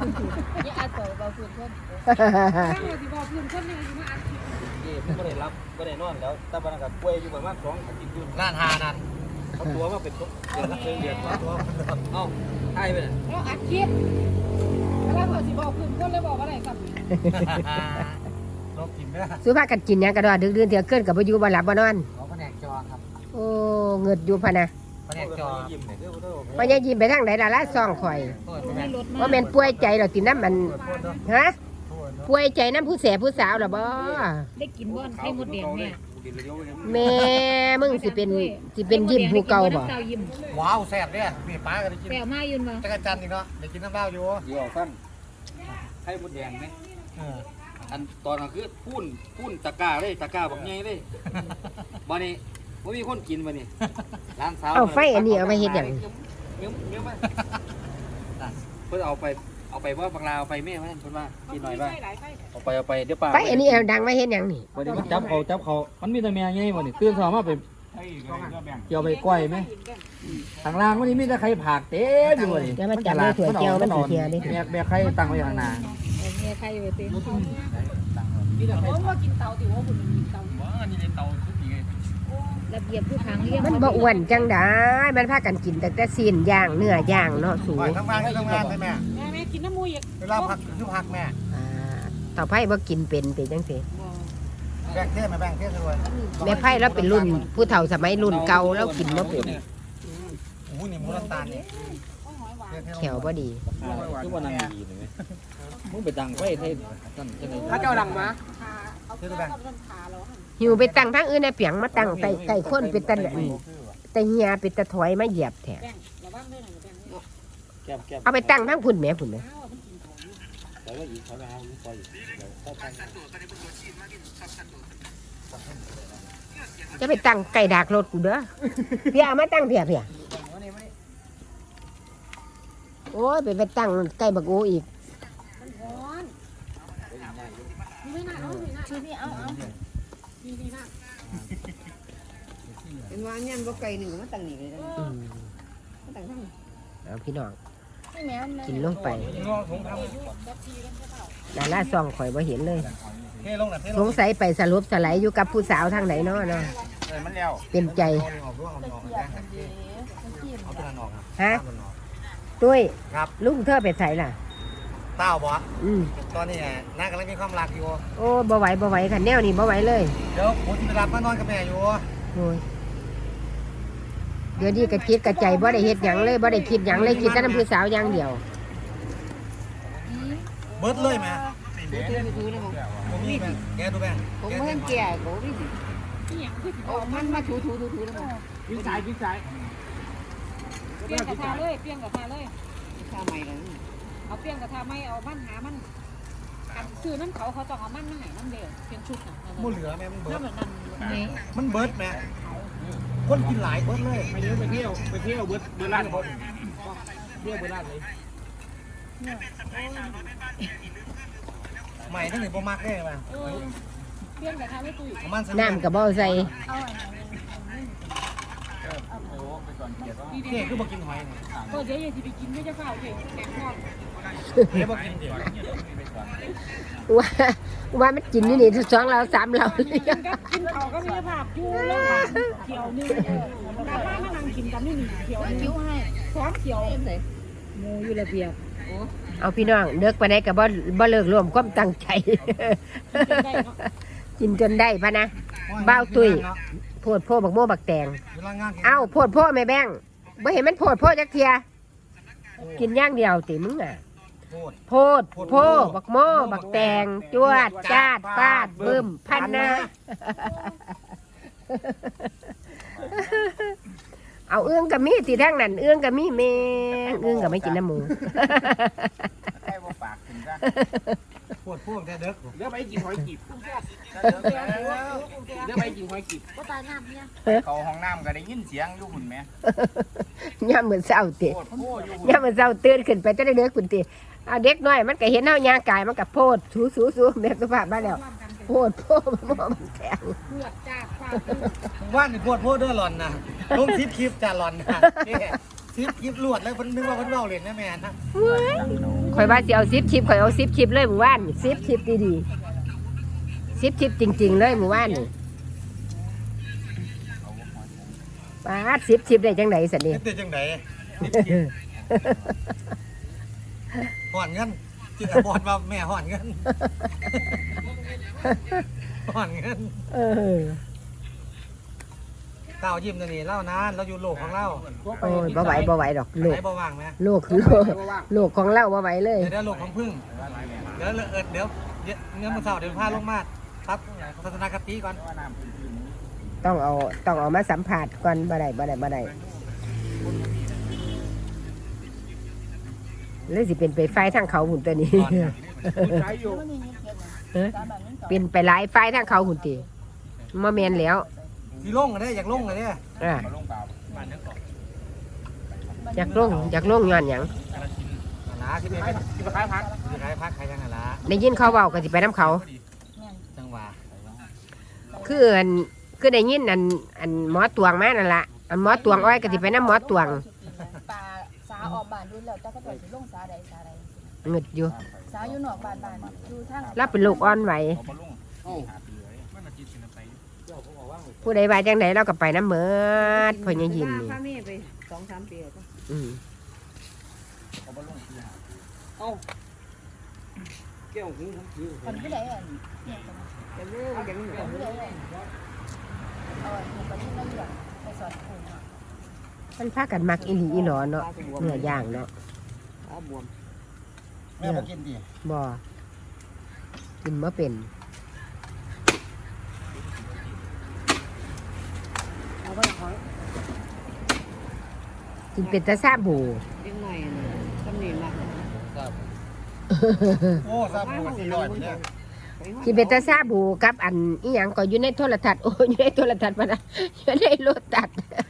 อย่าอัดต่อเบาพื้นคนถ้าเราสิบอกพื้นคนนี่สิมาอัดไม่ได้รับไม่ได้นอนแล้วแต่บ้านกับกล้วยอยู่ประมาณ2 อาทิตย์อยู่ล้านหานั่นเขาตัวมาเป็นเดือนตัวเอ้าใช่ไปเลยแล้วอัดคลิปแล้วเราสิบอกพื้นคนเลยบอกอะไรครับลบกินไม่ได้ซื้อผ้ากันกินยังกระดอดึกดื่นเถียวเกินกับบ่อยู่บ่หลับบ่นอนเขาแผนกจอครับโอ้เงิดอยู่พะนะแผนกจอพญายิ้มไปทางไหนล่ะละซ่องข่อยว่าแม่นป่วยใจเหรอติน้ำมันฮะป่วยใจน้ำผู้แสบผู้สาวเหรอบ่ได้กินบ่อนไข่มดแดงเนี่ยแม่มึงสิเป็นยิ้มผู้เก่าบ่ว้าวแซ่บเนี่ยมีปลากันได้กินแปลมายืนมาจักรจันทร์อีกเนาะได้กินน้ำเปล่าอยู่เดี๋ยวสั้นให้มดแดงไหมอันตอนนั้นคือพุ่นตะกร้าเลยตะกร้าบักใหญ่เลยบ้านนี้ว่ามีคนกินบ้านนี้ร้านสาวเอาไฟอันนี้เอาไปเฮ็ดหยังเงี้ยไหมเพื่อเอาไปว่าบางลาเอาไปแม่ไว้เพื่อนว่ากินหน่อยบ้างเอาไปเดี๋ยวป่าไฟอันนี้เอาดังไว้เฮ็ดหยังนี่วันนี้มันจับเขามันมีแต่แม่ไงวันนี้ตื่นสายมาไปเกี่ยวไปก้อยไหมทางล่างวันนี้มีแต่ใครผักเต็มอยู่เลยแล้วมันจับในถั่วเจียวมันเสียดิแม่ใครตั้งไว้ข้างหน้าแม่ใครไปตีผมว่ากินเตาติว่าคุณกินเตาอันนี้เตาทุกทีระเบียบผู้ขังเลี้ยงมันบ่อ้วนจังได้มันพากันกินแต่ซีนย่างเนื้อย่างเนาะสูงทำงานใช่ไหมแม่กินน้ำมูกเวลาพักคือพักแม่ต่อไผ่บ่กินเป็นจังซี่แบ่งเทศมาแบ่งเทศด้วยแม่ไผ่แล้วเป็นรุ่นผู้เฒ่าสมัยรุ่นเก่าแล้วกินบ่เป็นโอ้นี่มูน้ำตาลนี่แขวบ่ดีคือว่านั่งดีเลยมึงไปดังไฟเทศนั่นจะไหนถ้าเจ้าดังมาหิวไปตั้งทางอื่นในเปียงมาตั้งไก่ข้นเป็นแต่เฮียเป็นตะถอยมาเหยียบแท้เอาไปตั้งทางพุ่นแม่พุ่นแม่จะไปตั้งไก่ดากรถกูเด้อเพียมาตั้งเพียโอ้ยไปตั้งไก่บักโออีกเป็นว่าเนี่ยบ่ไก่หนึ่งมาตั้งนี่เลยตั้งทั้งเอาพี่น้องกินลงไปดาราซองข่อยบ่เห็นเลยสงสัยไปสรุปสไลด์อยู่กับผู้สาวทางไหนเนาะเป็นใจฮะตุ้ยลุงเธอไปใส่ล่ะเต้าบ่ตอนนี้น้ากำลังมีความรักอยู่โอ้บ่ไหวค่ะแนวนี้บ่ไหวเลยเดี๋ยวผมจะรับมานอนกับแม่อยู่โอ้ยเดี๋ยวนี้กระจิตกระใจบ่ได้เฮ็ดหยังเลยบ่ได้คิดหยังเลยคิดแต่น้ำผู้สาวอย่างเดียวเบิดเลยแม่ผมมีแม่แกดูแม่ผมเพิ่งแก่โหพี่โอ้มันมาถูแล้ววิ่งสายเปลี่ยนกระทาเลยทาใหม่เลยเอาเปลี่ยนกระทาไม่เอามันหามันคือน้ำเขาต้องเอามันมาให้น้ำเดียวเป็นชุดน่ะมันเหลือแม่มันเบิดมันเบิดแม่คนกินหลายเบิดเลยไปเที่ยวเบิดร้านเบิดร้านเลยใหม่ทั้งหนึ่งโปรมักได้ไหมเปลี่ยนกระทาไม่ตุยน้ำกับบ่ใส่เค้กคือบ่กินหอยเนี่ยก็เดี๋ยวอย่าไปกินไม่จะเฝ้าเค้กแกงทอดเดี๋ยวบ่กินเดี๋ยวว่ามันกินอยู่นี่2เรา3เรากินเขาก็มีภาพอยู่แล้วเขียวนึงแต่ถ้ามานั่งกินกันนี่เขียวคิ้วให้พร้อมเขียวหมูอยู่ระเบียบเอาพี่น้องเลิกไปไหนกับบ่เลิกรวมความตั้งใจกินจนได้พะนะบ้าวตุ้ยโพดโพบักโม่บักแตงเอ้าโพดโพแม่แบงบ่เห็นมันโพดโพจักเทียกินย่างเดียวติมึงอ่ะโพดโพบักโม่บักแตงจวดจาดฟาดบึ้มพันนะเอาเอื้องกับมีสิทั้งนั้นเอื้องกับมีแมงเอื้องกับไม่กินน้ำหมูปวดพวกแต่เด็กเดี๋ยวไปกินหอยกีบก็ตายน้ำเนี่ยเขาห้องน้ำก็ได้ยินเสียงอยู่หุ่นไหมย่ำเหมือนเศร้าเตะย่ำเหมือนเศร้าตื่นขึ้นไปจะได้เด็กคุณเตะเอาเด็กน้อยมันก็เห็นเน่ายางกายมันก็โพดสูแบบสุภาพมาแล้วโพดมันแข็งว่านปวดพวกเด้อหล่อนนะลงคลิปจะหล่อนนะซิปยิบลวดแล้วเพิ่นนึกว่าเพิ่นเว้าเล่นนะแม่นะข่อยว่าสิเอา10 ชิปข่อยเอา10 ชิปเลยหมู่บ้าน10 ชิปดีๆ10 ชิปจริงๆเลยหมู่บ้านนี่ปาด10 ชิปได้จังไดสันนี่เฮ็ดได้จังได๋ฮ้อนเงินจิตบอดว่าแม่ฮ้อนเงินฮ้อนเงินเออเต้ายิ้มตัวนี้เล่านานเราอยู่โลกของเราโอ้ยบ่ไหวดอกโลไหนกบ่ว่างไหมโลกคือโลกของเราบ่ไหวเลยเดี๋ยวโลกของพึ่งเดี๋ยวเงินมื้อเช้าเดี๋ยวพาลงมาครับทัศนคติก่อนต้องเอามาสัมผัสก่อนบ่ได้เลยสิเป็นไปไฟทางเขาหุ่นตัวนี้ เป็นไปหลายไฟทางเขาหุ่นตีมาแมนแล้วสิลงก็ได้อยากลงก็ได้อ่ะอยากลงย้อนหยังหลาที่ไปขายพักขายยังหลาได้ยินเขาเว้าก็สิไปน้ำเขาจังหวะคือได้ยินอันหมอตวงมานั่นล่ะอันหมอตวงอ้อยก็สิไปน้ำหมอตวงปลาสาออกบ้านดูแล้วแต่ก็จะลงสาใดเงึดอยู่สาอยู่นอกบ้านอยู่ทางเราเป็นลูกอ่อนไหวผู้ใดว่าจังไดเราก็ไปน้ำเมิดพอยังยินนี่พาแม่ไป2-3 ปีแล้วอืมเอ้าแก้วหูผมถือคนผู้ใดอ่ะแต่เรื่องยังคนผู้ใดอ่ะคนที่นั่งอยู่ไปสอนครูมันพากันมักอีหลีอีหลอเนาะเนื้อย่างเนาะบวมแม่บ่กินดิบ่กินมาเป็นเอาไปขอกินเป็นตาซาบูเลี้ยงหน่อยตำหนิมากโอ้ทราบบ่400เนี่ยกินเป็นตาซาบูกับอันอีหยังก็อยู่ในโทรทัศน์โอ้อยู่ในโทรทัศน์มานะอยู่ในโลตัส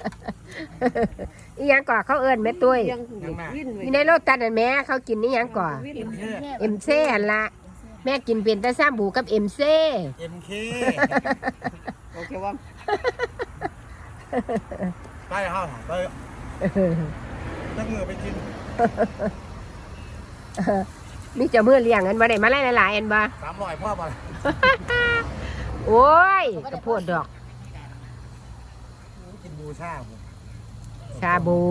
อีหยังก่อเขาเอิ้นแม่ตุ้ยวิ่นอยู่ในโลตัสนั่นแม่เขากินอีหยังก่อเอ็มเซ่หั่นละแม่กินเป็นตาซาบูกับเอ็มเซ่ MK โอเคว่าไปเฮาไปจักมือไปกินมีเจ้ามือเลี้ยงกันบ่ได้มาหลายๆอันบ่ 300พ่อบ่โอ้ยกระโพดดอกกินบูชาบ่ซาบู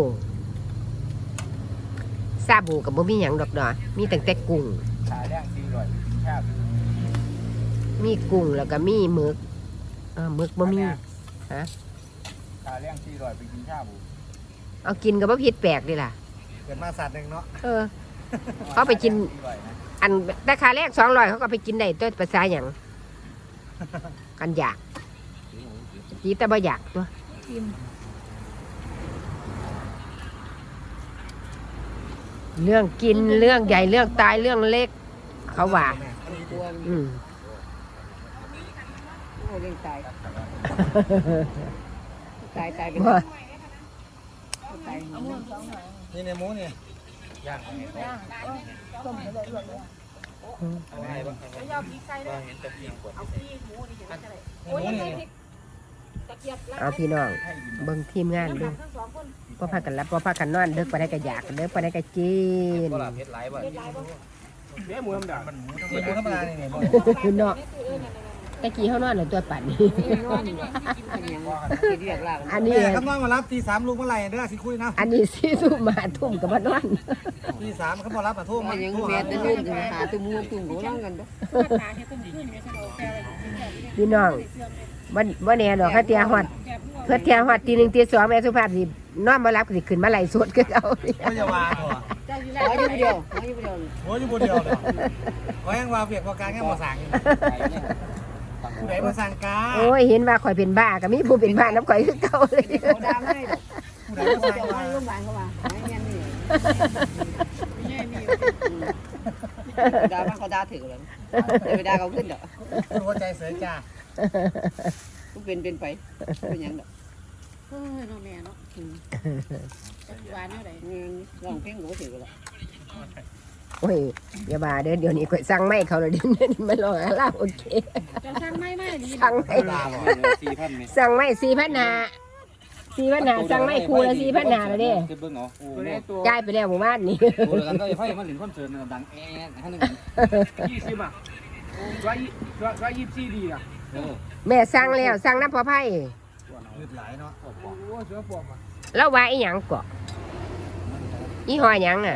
กับบ่มีหยังดอกเนาะมีตั้งแต่กุ้งขาแรง400ชาบมีกุ้งแล้วก็มีหมึกหมึกบ่มีฮะขาแรง400ไปกินชาบูเอากินก็บ่ผิดแปลกดิล่ะเกิดมาสัตว์นึงเนาะเขาไปกิน อันราคาแรก200เขาก็ไปกินได้ตัวภาษาหยังกันอยากจีแต่บ่อยากตัวเรื่องกินเรื่องใหญ่เรื่องตายเรื่องเล็ก เขาว่าบวมอืมโอ้ยังตายตายไปบ่ตายเอามือสองหน่อยนี่ในหมูนี่ย่างย่างต้มไปเลยเลยเอาให้บ่ยาวพริกใส่เลยเห็นแต่เพียงกดเอาพี่หมูนี่เห็นอะไรโอ้ยนี่ตะเกียบเอาพี่น้องเบิ่งทีมงานดูทั้งสองคนบ่พากันรับบ่พากันนอนเด็กปานใดก็อยากเด็กปานใดก็กินบ่ล่ะเผ็ดหลายบ่หมูธรรมดานี่บ่เนาะตะกี้เฮานอนแล้วตัวปั่นนี่นอนกินยังกินเรียกลากอันนี้แม่คำนอนมารับตี3ลูกเมื่อไหร่เด้อสิคุยนะอันนี้4 ทุ่มมาทุ่มก็มานอนตี3เขาบ่รับมาโทรมายังโทรแม่หาตะนุ่นหาตุ้มตุ้มหัวนั่งกันด้วยพี่น้องบ่แน่ดอกเขาเตียฮอดเพื่อเตียฮอดตี1ตี2แม่สุภาพสินอนบ่หลับก็สิขึ้นมาไล่สดคือเอาก็อย่าว่าเถอะขออยู่เดียวโอ้ยอยู่บ่เดียวเด้อขอยังว่าเวียกบ่การแค่บ่สั่งผู้ใดบ่สั่งกาโอ้ยเห็นว่าข่อยเป็นบ้าก็มีผู้เป็นบ้านํข่อยคือเก่าเลยเขาดามให้ดอกผู้ใดบ่สั่งเจ้าให้กาโรงพยาบาลเขาว่าไม่เงี้ยนี่ดาบ้านเขาดาถือเลยไปดาเขาขึ้นดอกหัวใจเสียจ้าก็เป็นไปเป็นยังดอกเฮ้ยน้องแม่เนาะหวานเท่าไหร่ลองเพ่งก็ถือแล้วโอ้ยอย่าบ้าเด้อเดี๋ยวนี้ข่อยสั่งไม้เขาเลยเดี๋ยวนี้มันรอลาโอเคจะสร้างไม่ดีสั่งไม้ 4,000มั้ยสั่งไม้4,500 4,500สั่งไม่ครูละ4,500แล้วเด้เบิ่งเอาโอ้โหจ่ายไปแล้วหมู่บ้านนี่โอ้แล้วกันก็ไฟมันหลินคอนเสิร์ตดังแอ๊ะให้นึง 20อ่ะ124ดีอ่ะเออแม่สั่งแล้วสั่งน้ำพอไผ่ยืดหลายเนาะโอ้เสือปวกอ่ะแล้วว่าอีหยังเกาะอีหอหยังอ่ะ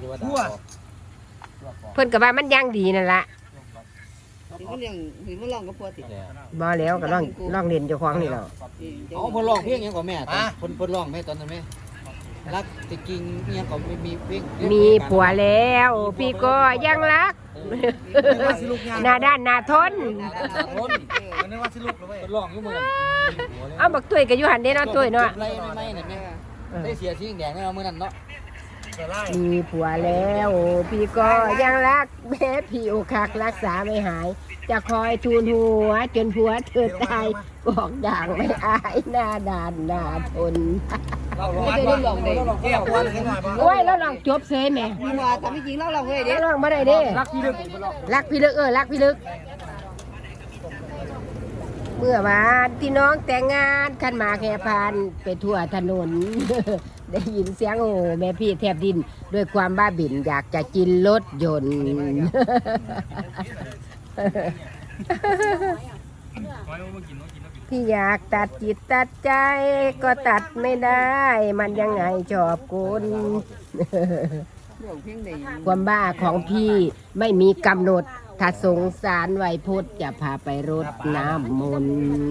เพิ่นก็ว่ามันย่างดีนั่นล่ะถึงมันเลี้ยงถึงมันลองกับพวติบ่แล้วก็ลองเล่นเจ้าของนี่แล้วเอาเพิ่นร้องเพลงหยังก่อนแม่เพิ่นร้องแม่ตอนนั้นแม่รักจะกินเมียก็มีเพลงมีผัวแล้วพี่ก็ยังรัก หน้าด้านหน้าทนมันนึกว่าสิลูกเลยเว้ยเพิ่นร้องอยู่มื้อนั้นเอาบักตุ้ยก็อยู่หันเด้เนาะตุ้ยเนาะไรไม่น่ะแม่ได้เสียสีแดงแน่มื้อนั้นเนาะมีผัวแล้วพี่ก็ยังรักแม้พี่อกหักรักษาไม่หาย จะคอยทูลหัวจนผัวเธอตายบอกด่างไม่อายหน้าด่านหน้าทนเราร้อนว่าเราแก้ปวดหน่อยบ่โอ้ยแล้วลองจบเสยแหม่มีว่าแต่ไม่จริงเราเว้ยเด้แล้วลองบ่ได้เด้รักพี่ลึกบ่ลองรักพี่ลึกรักพี่ลึก เมื่อวานที่น้องแต่งงานขันหมากแห่พานไปทั่วถนน ได้ยินเสียงโอ้แม่พี่แทบดินด้วยความบ้าบิ่นอยากจะกินรถยนต์ พี่อยากตัดจิตตัดใจก็ตัดไม่ได้ มันยังไงชอบกุนเรื่องเพียงใดความบ้าของพี่ไม่มีกำหนด ถ้าสงสารไวยพุทธจะพาไปรดน้ำมนต์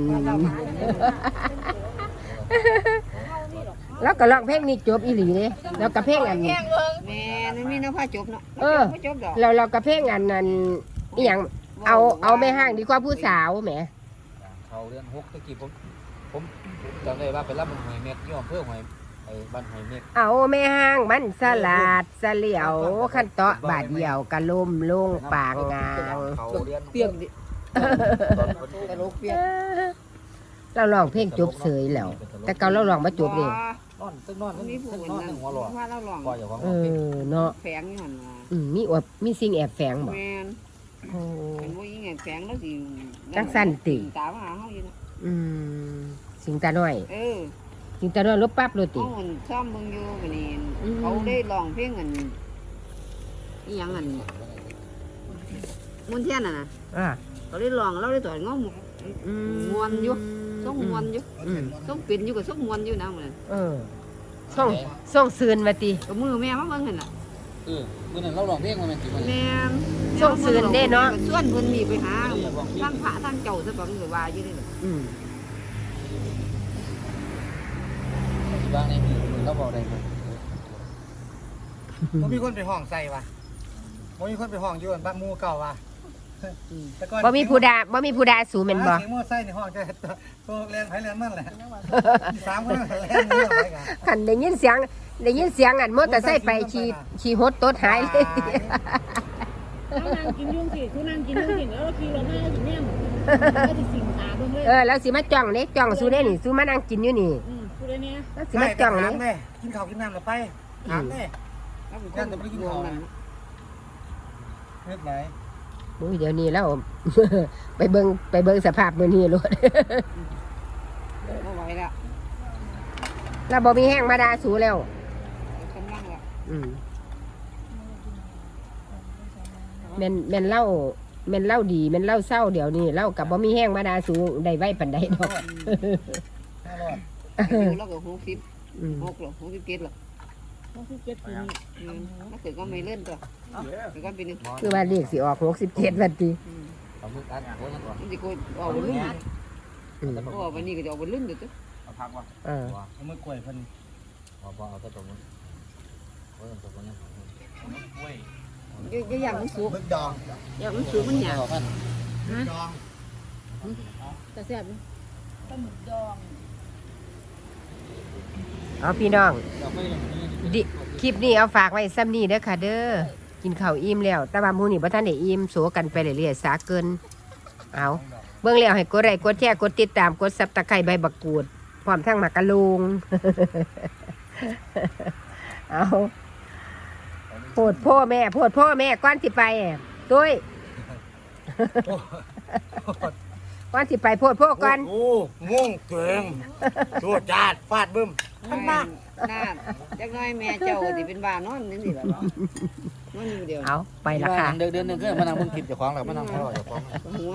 แล้วก็ร้องเพลงนี้จบอีหลีเลยแล้วก็เพลงอันนี้แม่นั่นมีน้ำผ้าจบเนาะไม่จบดอกเราก็เพลงอันนั้นอหย่างเอาไม่ห้างดีกว่าผู้สาวแหมเขาเดือน6ตะกี้ผมจำได้ว่าไปรับมันหอยเม็ดอยู่อำเภอหอยไอ้บ้านหอยเม็ดเอาไม่ห้างมันสลัดเสลียวขันเตาะบาดเดียวกะล่มลงปางงางเขาเดือนเปียกดิตลกเปียกเราลองเพลงจบเสยแล้ว แต่เก่าเราลองมาจบเองนอนตึ้งนอนมีผู้ตึ้งคนนอนนั้ตึ้นงหัวหลอดว่าเราลองก็อย่าของเนาะแฝงอยู่หั่นว่ามีสิ่งแอบแฝงบ่แม่นโอ้เป็นบ่ยิงไงแฝงแล้วสิจักสั้นติตามหาเฮาอยู่นะสิงตาน้อย สิงตาน้อยลบปั๊บเลยติเฮามันซ้อมเบิ่งอยู่บัดนี้เขาได้ร้องเพลงอันอีหยังอันมุนเทียนน่ะนะอ่าเขาได้ร้องเราได้ต่อยงอมมวนอยู่ส่งมวนอยู่ส่งปิ่นอยู่กับส่งมวนอยู่นะเหมือนส่งซืนมาติกับมือแม่มาเบิ่งหั่นน่ะมื้อนั้นเราร้องเพลงมันกี่มื้อแม่ส่งซืนเด้เนาะส่วนเพิ่นมีไปหาทั้งพระทั้งเจ้าซะบ่มันก็ว่าอยู่นี่บางในมือเราบอกได้บ่บ่มีคนไปห้องใส่ว่ะบ่มีคนไปห้องอยู่บ้านหมู่เก่าว่ะบ่มีผู้ดาสูแม่นบ่เสียงมอไซค์ในห้องจะตัวแลนไผแลนมันแหละ3คนแลนนี่ไปกันคันได้ยินเสียงอันมอเตอร์ไซค์ไปขี่หดตดหายเลยเขานั่งกินยุ่งสิเขานั่งกินยุ่งสิแล้วขี่รถมาอยู่เนี่ยก็สิสิงหาเบิ่งเลยแล้วสิมาจ้องเด้จ้องสู้ได้นี่สู้มานั่งกินอยู่นี่ผู้ใดเนี่ยแล้วสิมาจ้องถานี่มแม่กินข้าวกินน้ำแล้วไปถามแม่ยังจะไปกินข้าวเฮ็ดไหนโอ้ยเดี๋ยวนี้แล้ว ไปเบิ่งสภาพมื้อนี้โลดบ่ไหวแล้วแล้วบ่มีแห้งมาดาสูแล้วกำลังแล้วแม่นเล่าดีแม่นเล่าเศร้าเดี๋ยวนี้เล่ากับบ่มีแห้งมาดาสูได้ไว้ปานใดดอกอยู่แล้วก็60 6หรอ67หรอ 67ปีถ้าเกิดก็ไม่เล่นตัวเกิดก็เป็นคือว่าเลขสิออก67วันติเอามืออัดโอ้ยก่อนมันสิโกออกบนลุ่นเพราะว่าวันนี้ก็จะออกบนลุ่นเด้อเอาพักว่ะเอามือกล้วยเพิ่นบ่เอาแต่ตรงนี้โอ้ยตรงนี้อย่างมันสุกมึกดองอย่างมันสุกมันหยาบพันดองแต่แซ่บปลาหมึกดองเอาพี่น้องเราไม่ลงนี้คลิปนี้เอาฝากไว้ซ้ำนี้เด้อค่ะเด้อกินข้าวอิ่มแล้วแต่ว่ามื้อนี้บ่ทันได้อิ่มโสกันไปเรื่อยๆสาเกินเอาเบิ่งแล้วให้กดไลค์กดแชร์กดติดตามกด Subscribe ใบบักกูดพร้อมทั้งหมากกะลุง เอาโพดพ่อแม่ก่อนสิไปตุ้ยโก่อนสิไปโพดโพก่อนโอ้ง่วงเกิงโจดจาดฟาดบึ้มน่าจักน้อยแม่เจ้าสิเป็นบ้านอนนี่สิล่ะนอนอยู่เดียวเอาไปละค่ะเดือนหนึงก็มานั่งเบิ่งคลิปเจ้าของแล้วมานั่งพ่อเจ้าของหัว